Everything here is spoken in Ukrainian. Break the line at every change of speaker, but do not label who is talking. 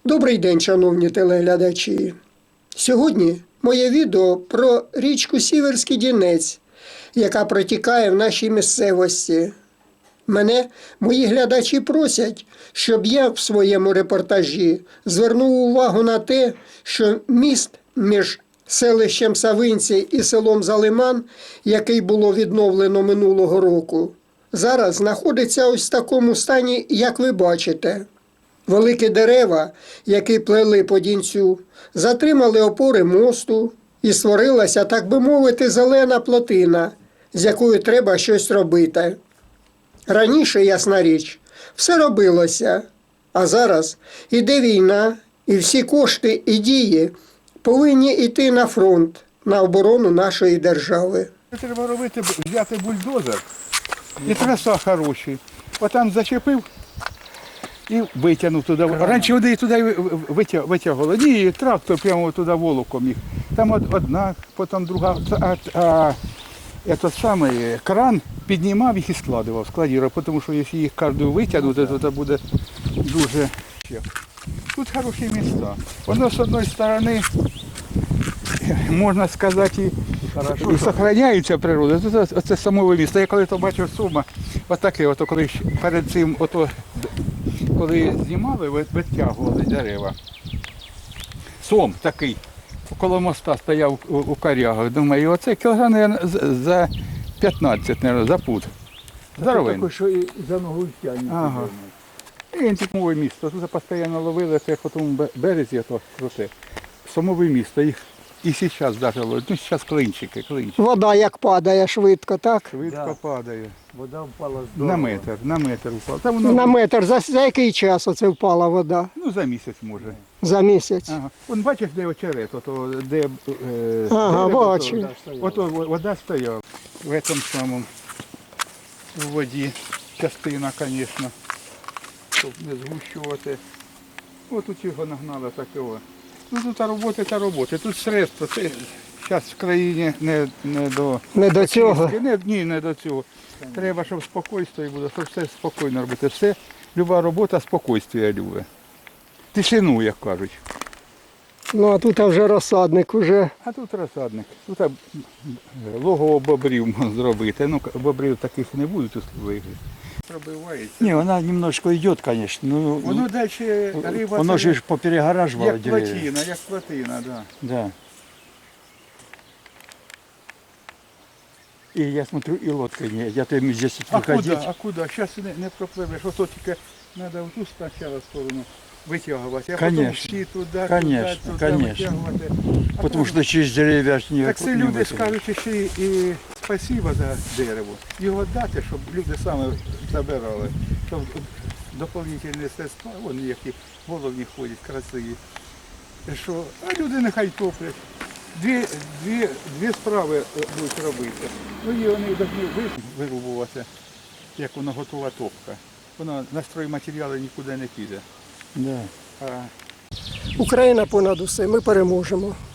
Добрий день, шановні телеглядачі. Сьогодні моє відео про річку Сіверський Донець, яка протікає в нашій місцевості. Мене мої глядачі просять, щоб я в своєму репортажі звернув увагу на те, що міст між селищем Савинці і селом Залиман, який було відновлено минулого року, зараз знаходиться ось в такому стані, як ви бачите. Великі дерева, які плели по Донцю, затримали опори мосту і створилася, так би мовити, зелена плотина, з якою треба щось робити. Раніше, ясна річ, все робилося, а зараз іде війна, і всі кошти і дії повинні йти на фронт, на оборону нашої держави.
Треба робити, взяти бульдозер і траса хороші. Отам зачепив і витягнув туди. Раніше вони туди витягували. Ні, трактор прямо туди волоком їх. Там одна, потім друга. Саме кран піднімав їх і складував, тому що якщо їх кожну витягнути, то це буде дуже. Тут хороші міста. Воно з однієї сторони, можна сказати, і зберігається природа. Це самове місто. Я коли то бачив Сума, отаке, коли перед цим, коли знімали, витягували дерева. Сом такий, коло моста стояв у корягах. Думаю, оце кілограм за 15, мабуть, за пуд. Здоровий.
Такий, що і за ногу тягне.
Ага. І самове місто. Тут постійно ловили, це по тому березі, то круте. Самове місто. Їх і зараз навіть ловить. Ну, зараз клинчики.
Вода як падає швидко, так?
Швидко падає.
Вода впала здорово.
На метр впала. Та
На метр. За який час оце впала вода?
Ну, за місяць може.
За місяць?
Ага. Вон бачиш, де очерет, де
Ага, бачу.
Ото вода стояла. В цьому самому в воді частина, звісно, щоб не згущувати. Ось тут його нагнали такого. Ну тут роботи. Тут средства. Це зараз в країні не до...
Не до цього?
Ні, не до цього. Треба, щоб спокійствие було, щоб все спокійно робити. Все, люба робота спокійствие любить. Тишину, як кажуть.
Ну, а тут вже розсадник уже.
А тут розсадник. Тут логово бобрів можна зробити. Ну, бобрів таких не буде тут вигляд. Пробивається.
Не, она немножко идет, конечно. Ну,
Воно далі риба.
оно же ж поперегораживало
як
деревья.
плотина, да.
Да. И я смотрю, и лодка не. Я то им здесь выходить.
А куда? Зараз не пропливеш. Ото тільки треба в ту спочатку сторону витягувати, а
Конечно.
потім всі туди,
Конечно,
туди
конечно.
витягувати. А
Потому
потім-
что через деревья ж не
Так це
не
люди
вытянешь.
скажуть ще і спасибо за дерево. Його дати, щоб люди саме забирали. Щоб доповнительні средства, вони які головні ходять, красиві. Що, а люди нехай топлять. Дві справи будуть робити. Ну і вони повинні вирубувати, як воно готова топка. Воно на стройматеріали нікуди не піде.
Да.
А
Україна понад усе, ми переможемо.